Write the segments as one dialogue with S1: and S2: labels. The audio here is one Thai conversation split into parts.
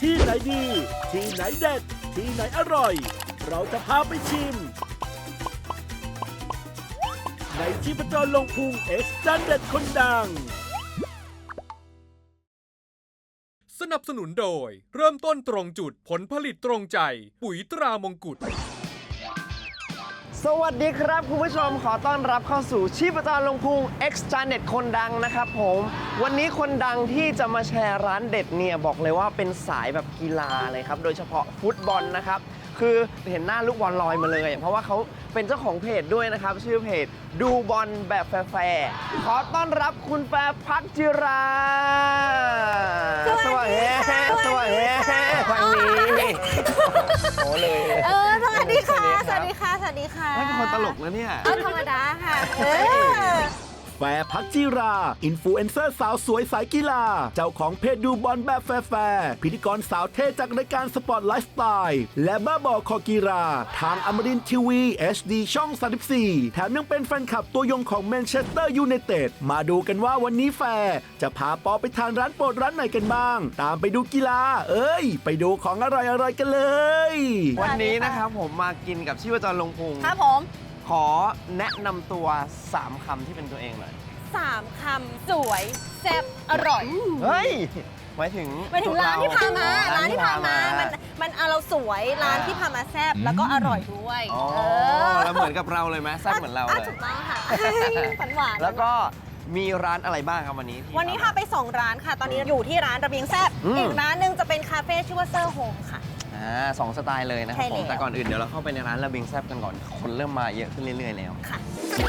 S1: ที่ไหนดี ที่ไหนเด็ด ที่ไหนอร่อย เราจะพาไปชิม ในชีพจรลงพุง X จานเด็ดคนดัง
S2: สนับสนุนโดยเริ่มต้นตรงจุดผลผลิตตรงใจ ปุ๋ยตรามงกุฎ
S3: สวัสดีครับคุณผู้ชมขอต้อนรับเข้าสู่ชีพจรลงพุง X จานเด็ดคนดังนะครับผมวันนี้คนดังที่จะมาแชร์ร้านเด็ดเนี่ยบอกเลยว่าเป็นสายแบบกีฬาเลยครับโดยเฉพาะฟุตบอลนะครับคือเห็นหน้าลูกบอลลอยมาเลยเพราะว่าเขาเป็นเจ้าของเพจด้วยนะครับชื่อเพจดูบอลแบบแฟร์ขอต้อนรับคุณแฟร์พักจิราสวัสดีสวัสดีวันนี้โอ้เลย
S4: สวัสดีค่ะ สวัสดีค่ะ สวัสดีค่ะ
S3: ไม่เป็นคนตลกนะเนี่ย
S4: ธรรมดาค่ะ
S1: แฟร์พักจิรา อินฟลูเอนเซอร์สาวสวยสายกีฬา เจ้าของเพจดูบอลแบบแฟร์พิธีกรสาวเท่จากรายการสปอร์ตไลฟ์สไตล์และบ้าบอคอกีฬาทางอมรินทร์ทีวี HD ช่อง 34 แถมยังเป็นแฟนคลับตัวยงของแมนเชสเตอร์ยูไนเต็ดมาดูกันว่าวันนี้แฟร์จะพาปอไปทานร้านโปรดร้านไหนกันบ้าง ตามไปดูกีฬาไปดูของอร่อยๆกันเลย
S3: วันนี้นะครับผมมากินกับชีพจรลงพุง
S4: ครับผม
S3: ขอแนะนำตัว 3 คำที่เป็นตัวเองหน่อย
S4: 3 คำสวย แซ่บ อร่อย
S3: เฮ้ยหมายถึง
S4: ร้านที่พามา
S3: อ๋อ
S4: ร้านที่พามา มันเอาเราสวย ร้านที่พามาแซ่บ แล้วก็อร่อยด้วย
S3: อ๋อแล้วเหมือนกับเราเลยไหมแซ่บเหมือนเราเลย
S4: ถูกต้องค่ะฝันหวาน
S3: แล้วก็มีร้านอะไรบ้างครับวันนี้ที่
S4: วันนี้พาไป 2 ร้านค่ะ ตอนนี้อยู่ที่ร้านระเบียงแซ่บ อีกร้านหนึงจะเป็นคาเฟ่ชื่อว่าเซอร์โฮมค่ะ
S3: สองสไตล์เลยนะครับ
S4: ใช่
S3: ผม
S4: แล้ว
S3: แต่ก่อนอื่นเดี๋ยวเราเข้าไปในร้านระเบียงแซ่บกันก่อนคนเริ่มมาเยอะขึ้นเรื่อยๆแล้ว
S4: ค่ะ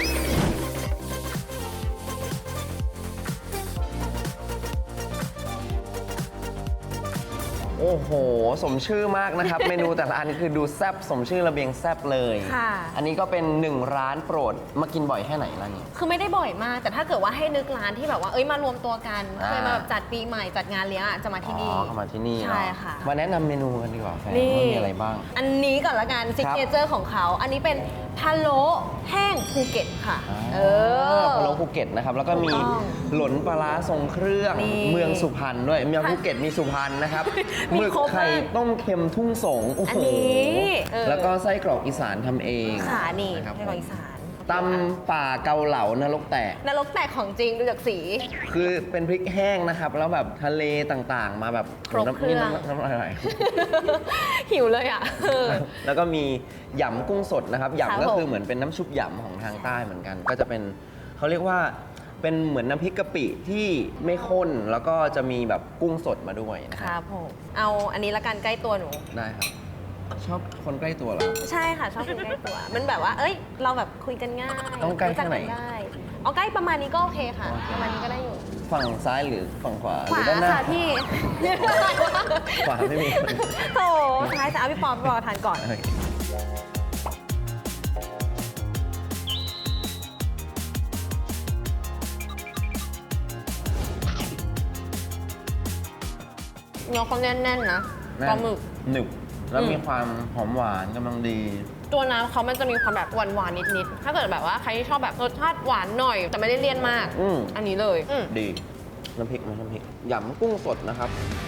S3: โอ้โห สมชื่อมากนะครับ เมนูแต่ละอันคือดูแซ่บสมชื่อระเบียงแซ่บเลย
S4: ค่ะ
S3: อันนี้ก็เป็น1ร้านโปรดมากินบ่อยแค่ไหนร้านนี้
S4: คือไม่ได้บ่อยมาก แต่ถ้าเกิดว่าให้นึกร้านที่แบบว่า มารวมตัวกัน เคยมาแบบจัดปีใหม่จัดงานเลี้ยงอะจะมาที่นี่
S3: เข้ามาที่นี่
S4: ใช่ค่ะ
S3: มาแนะนำเมนูกันดีกว่าแฟน
S4: นี่
S3: ว่ามีอะไรบ้าง
S4: อันนี้ก่อนละกันซิกเนเจอร์ของเขา อันนี้เป็นพะโล้แห้งภูเก็ตค่ะ
S3: พะโล้ภูเก็ตนะครับ แล้วก็มี
S4: ถูกต้อง
S3: หลนปลาร้าทรงเครื่อง
S4: นี่
S3: เมืองสุพรรณด้วยเมืองภูเก็ตมีสุพรรณนะครับ
S4: มี
S3: หมึก
S4: ครบมาก
S3: ไข่ต้มเค็มทุ่งสงโอ้
S4: อัน
S3: โห
S4: นี้
S3: แล้วก็ไส้กรอกอีสานทำเอง
S4: ค่ะนี่
S3: นะครับ
S4: ไส้กรอกอีสาน
S3: ตำป่าเกาเหลานรกแตก
S4: นรกแตกของจริงดูจากสี
S3: คือเป็นพริกแห้งนะครับ แล้วแบบทะเลต่างๆ มาแบบ
S4: ครบเครื่อง
S3: น้ำลายไหล
S4: หิวเลยอ่ะ
S3: แล้วก็มีหยำกุ้งสดนะครับ
S4: ครับ
S3: หยำก็คือ
S4: ผม
S3: เหมือนเป็นน้ำชุบหยำของทางใต้เหมือนกัน ก็จะเป็นเขาเรียกว่าเป็นเหมือนน้ำพริกกะปิที่ไม่ข้น แล้วก็จะมีแบบกุ้งสดมาด้วยนะ
S4: ค
S3: ครับ
S4: รับผม เอาอันนี้ละกันใกล้ตัวหนู
S3: ได้ครับ ชอบคนใกล้ตัวเหรอ
S4: ใช่ค่ะชอบคนใกล้ตัว มันแบบว่า เราแบบคุยกันง่าย
S3: ต้องใกล้แค่ไหน
S4: รู้จักกัได้เอาใกล้ประมาณนี้ก็โอเคค่ะ
S3: โอเค
S4: ประมาณนี้ก็ได้อยู่
S3: ฝั่งซ้ายหรือฝั่งขวาห
S4: ข
S3: รื
S4: วา
S3: ด้านหน้า
S4: ค่ะพี่
S3: ขวาไม่มีคน
S4: โถท้ายแต่เอาพี่ปอมรอทานก่อน
S3: โอเค
S4: เนื้อเขาแน่นๆนะปลาหมึก
S3: หนึบแล้ว
S4: อืม
S3: มีความหอมหวานกำลังดี
S4: ตัวน้ำเขามันจะมีความแบบหวานๆนิดๆ ถ้าเกิดแบบว่าใครที่ชอบแบบรสชาติหวานหน่อย แต่ไม่ได้เลี่ยนมาก
S3: อืม
S4: อันนี้เลยอืม
S3: ดีน้ำพริกน้ำพริกหยำกุ้งสดนะครับ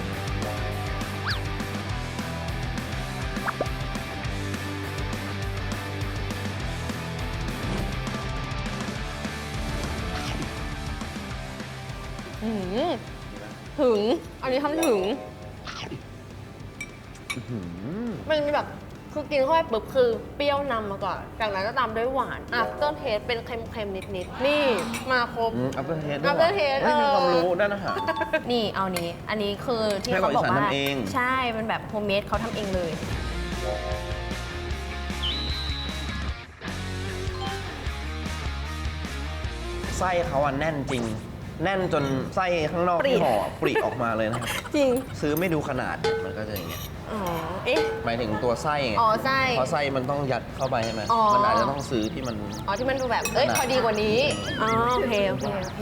S4: อืมถึง อันนี้ทำถึง มันมีแบบคือกินเข้าไปปุ๊บคือเปรี้ยวนำมาก่อน จากนั้นก็ตามด้วยหวาน after taste เป็นเค็มๆ นิดๆ นี่มาครบ
S3: อัปเปอร์เทส
S4: after taste
S3: มีความรู้ด้านอาหาร
S4: นี่เอานี้ อันนี้คือที่
S3: ไส้กรอ
S4: เขา
S3: ก
S4: บอกว่า
S3: อีสานทำเอง
S4: ใช่ มันแบบโฮมเมดเขาทำเองเลย
S3: ไส้เขาอะแน่นจริง แน่นจนไส้ข้างนอก
S4: ปริ
S3: ที่ห่อปริออกมาเลยนะครับ
S4: จริง
S3: ซื้อไม่ดูขนาดมันก็จะอย่างเงี้ย
S4: อ๋อ เอ๊ะ
S3: หมายถึงตัวไส้ไง
S4: อ๋อไส้
S3: เพราะไส้มันต้องยัดเข้าไปใช่ไหม
S4: อ๋อ
S3: มันอาจจะต้องซื้อที่มัน
S4: อ๋อ ที่มันดูแบบ
S3: ขนาด
S4: พอดีกว่านี้ อ๋อ โอเค โอเค โอเค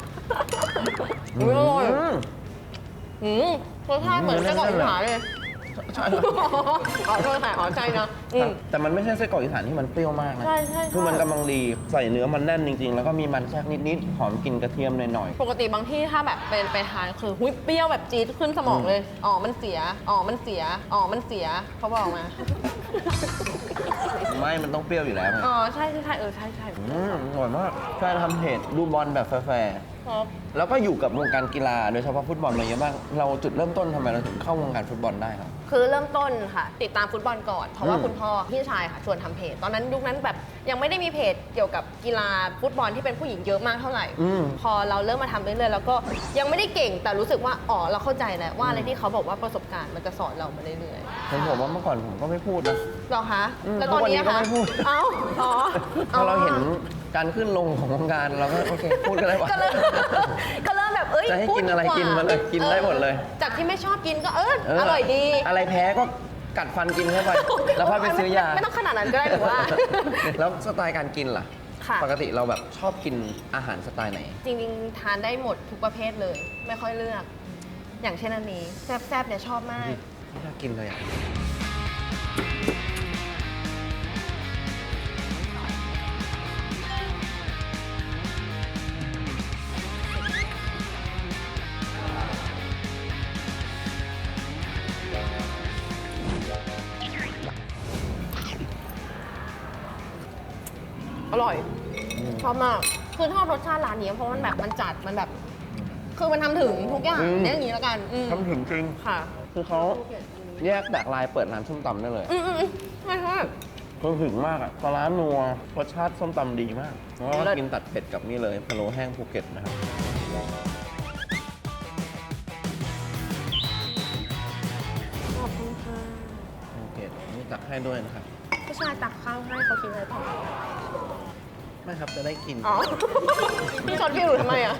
S4: อุ๊ยอร่อย
S3: อืม
S4: รสชาติเหมือนไส้กรอกอีสานเลย
S3: ใช่
S4: อ๋อโทษค่ะอ๋อใช่เนาะอืม
S3: แต่มันไม่ใช่ไส้กรอกอีสานที่มันเปรี้ยวมากนะ
S4: ใช่ใช่
S3: คือมันกำลังดีใส่เนื้อมันแน่นจริงๆ แล้วก็มีมันแทรกนิดๆหอมกลิ่นกระเทียมหน่อย
S4: ปกติบางที่ถ้าแบบเป็นไปทานคือหุ้ยเปรี้ยวแบบจี๊ดขึ้นสมองเลยอ๋อมันเสียอ๋อมันเสียอ๋อมันเสียเขาบอกมา
S3: ไม่มันต้องเปรี้ยวอยู่แล้วไง
S4: อ๋อใช่ใช่ใช่ใช่ใช่
S3: อร่อยมากแฟนทำเพจดูบอลแบบแฟร์
S4: ครับ
S3: ๆแล้วก็อยู่กับวงการกีฬาโดยเฉพาะฟุตบอลมาเยอะมากเราจุดเริ่มต้นทำไมเราถึงเข้าวงการฟุตบอลได้ครับ
S4: คือเริ่มต้นค่ะ ติดตามฟุตบอลก่อน เพราะว่า
S3: อืม
S4: คุณพ่อพี่ชายค่ะชวนทำเพจ ตอนนั้นยุคนั้นแบบยังไม่ได้มีเพจเกี่ยวกับกีฬาฟุตบอลที่เป็นผู้หญิงเยอะมากเท่าไหร่ พอเราเริ่มมาทำเรื่อยๆแล้วก็ยังไม่ได้เก่งแต่รู้สึกว่าอ๋อเราเข้าใจแล้วว่าอะไรที่เขาบอกว่าประสบการณ์มันจะสอนเรามาเรื่อยๆ
S3: ผมว่าเมื่อก่อนผมก็ไม่พูดนะ
S4: หรอคะ
S3: อืม
S4: แล้วตอนนี้
S3: ทุกวันนี้ก็
S4: คะ
S3: ไม่พูด
S4: เอ้าอ๋อ
S3: พอเราเห็นการขึ้นลงของวงการเราก็โอเคพูดกันได้ว่า
S4: ก็เริ่ม ก็เริ่มแบบเอ้ย
S3: จะให้
S4: พูด
S3: กินอะไร
S4: ดีว่า
S3: กินมาเลยกินได้หมดเลย
S4: จากที่ไม่ชอบกินก็อร่อยดี
S3: อะไรแพ้ก็กัดฟันกินเข้าไป แล้วค่อยไปซื้อยา
S4: ไม่ต้องขนาดนั้นก็ได้หรือว่า
S3: แล้วสไตล์การกินล่ะ
S4: ค่ะ
S3: ปกติเราแบบชอบกินอาหารสไตล์ไหน
S4: จริงๆ ทานได้หมดทุกประเภทเลย ไม่ค่อยเลือก อย่างเช่นอันนี้แซ่บๆเนี่ยชอบมาก
S3: ไม่น่ากินเลยอ่ะ
S4: อร่อย ชอบมาก คือชอบรสชาติร้านนี้เพราะมันแบบมันจัดมันแบบ คือมันทำถึงทุกอย่างเนี่ยอย่างนี้แล้วกันอืม
S3: ทำถึงจริง
S4: ค่ะ
S3: คือเขาแยกแตกลายเปิดร้านส้มตำได้เลย
S4: ใช่ใช่
S3: คือถึงมากอ่ะปลาร้านัวรสชาติส้มตำดีมากแล้วก็
S4: เลิศ
S3: กินตัดเผ็ดกับนี่เลยพะโล้แห้งภูเก็ตนะครับ
S4: ขอบคุณค่ะ
S3: ภูเก็ตนี่ตักให้ด้วยนะครับ
S4: ผู้ชายตักข้าวให้เขากินอะไรต่อ
S3: ไม่ครับจะได้กิน
S4: อ๋อ พี่ชนพี่หนูทำไมอ่ะ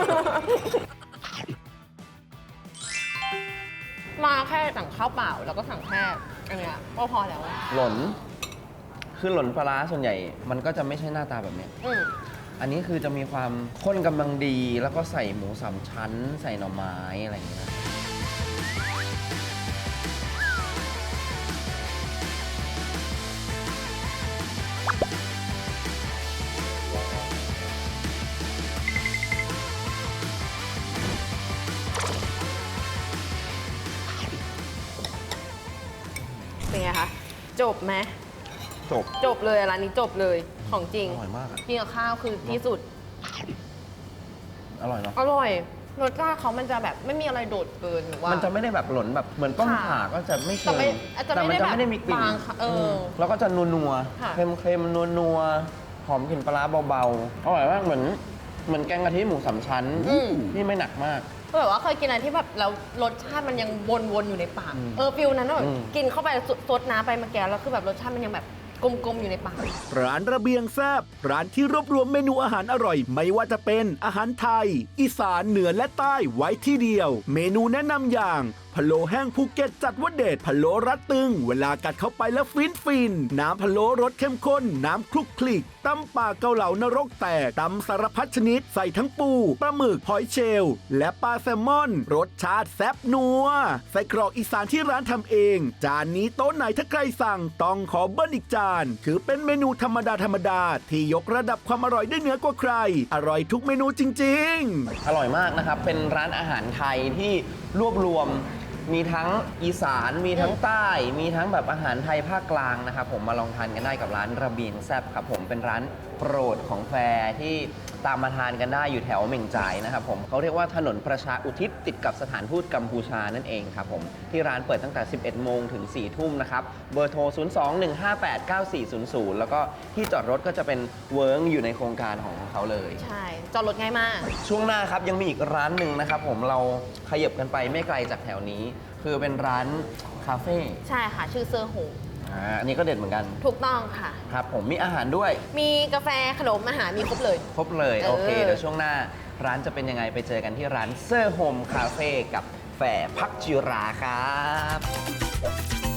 S4: มาแค่สั่งข้าวเปล่าแล้วก็สั่งแค่อันเนี้ยก็พอแล้วอะ
S3: หล่นคือหล่นปลาร้าส่วนใหญ่ มันก็จะไม่ใช่หน้าตาแบบเนี้ย
S4: อืม
S3: อันนี้คือจะมีความข้นกำลังดี แล้วก็ใส่หมูสามชั้น ใส่หน่อไม้อะไรอย่างเงี้ย
S4: เป็นไงคะ จบไหม
S3: จบ
S4: จบเลยร้านนี้จบเลยของจริง
S3: อร่อยมากอะ
S4: กินกับข้าวคือที่สุด
S3: อร่อยเนาะ
S4: อร่อยรสชาติเขามันจะแบบไม่มีอะไรโดดเกินหรือว่า
S3: มันจะไม่ได้แบบหล่นแบบเหมือนต้ม
S4: ค่ะ
S3: ข่าก็จะไม่
S4: แต่
S3: เชิง
S4: ไม่อาจจะ
S3: แต่มันจะ
S4: ไม่
S3: ไม่
S4: ได้
S3: ได้
S4: แบบ
S3: มีกลิ่น
S4: บางค่ะ
S3: แล้วก็จะนัว
S4: ค่ะ
S3: ๆเค็มๆนัวๆหอมกลิ่นปลาร้าเบาๆอร่อยมากเหมือนแกงกะทิหมูสามชั้นที่ไม่หนักมาก
S4: ก็แบบว่าเคยกินอะไรที่แบบแล้วรสชาติมันยังวนๆอยู่ในปาก ฟิลนั้นว่าแบบ
S3: อืม
S4: กินเข้าไปซดน้ำไปเมื่อกี้แล้วคือแบบรสชาติมันยังแบบกลมๆอยู่ในปาก
S1: ร้านระเบียงแซบร้านที่รวบรวมเมนูอาหารอร่อย ไม่ว่าจะเป็นอาหารไทย อีสานเหนือและใต้ไว้ที่เดียว เมนูแนะนำอย่างพะโล้แห้งภูเก็ตจัดว่าเด็ดพะโล้รัดตึง เวลากัดเข้าไปแล้วฟินน้ำพะโล้รสเข้มข้น น้ำคลุกคลิกตำป่าเกาเหลานรกแตกตำสารพัดชนิดใส่ทั้งปูปลาหมึกหอยเชลล์และปลาแซลมอน รสชาติแซ่บนัวใส่กรอกอีสานที่ร้านทำเอง จานนี้โต๊ะไหนถ้าใครสั่งต้องขอเบิ้ลอีกจานถือเป็นเมนูธรรมดาที่ยกระดับความอร่อยได้เหนือกว่าใคร อร่อยทุกเมนูจริงๆ
S3: อร่อยมากนะครับ เป็นร้านอาหารไทยที่รวบรวม มีทั้งอีสาน มีทั้งใต้ มีทั้งแบบอาหารไทยภาคกลางนะครับผมมาลองทานกันได้กับร้านระเบียงแซบครับผมเป็นร้านโปรดของแฟร์ที่ตามมาทานกันได้อยู่แถวเหม่งจ่ายนะครับผมเขาเรียกว่าถนนประชาอุทิศติดกับสถานทูตกัมพูชานั่นเองครับผมที่ร้านเปิดตั้งแต่ 11 โมงถึง 4 ทุ่มนะครับเบอร์โทร 021589400 แล้วก็ที่จอดรถก็จะเป็นเวิร์กอยู่ในโครงการของเขาเลย
S4: ใช่ จอดรถง่ายมาก
S3: ช่วงหน้าครับยังมีอีกร้านหนึ่งนะครับผมเราขยับกันไปไม่ไกลจากแถวนี้ คือเป็นร้านคาเฟ่
S4: ใช่ค่ะ ชื่อเซอร์โฮ
S3: อันนี้ก็เด็ดเหมือนกัน
S4: ถูกต้องค่ะ
S3: ครับผมมีอาหารด้วย
S4: มีกาแฟขนมอาหารมีครบเลย
S3: ครบเลย
S4: เออ
S3: โอเคเดี๋ยวช่วงหน้าร้านจะเป็นยังไงไปเจอกันที่ร้านเซอร์โฮมคาเฟ่กับแฝพักจิราครับ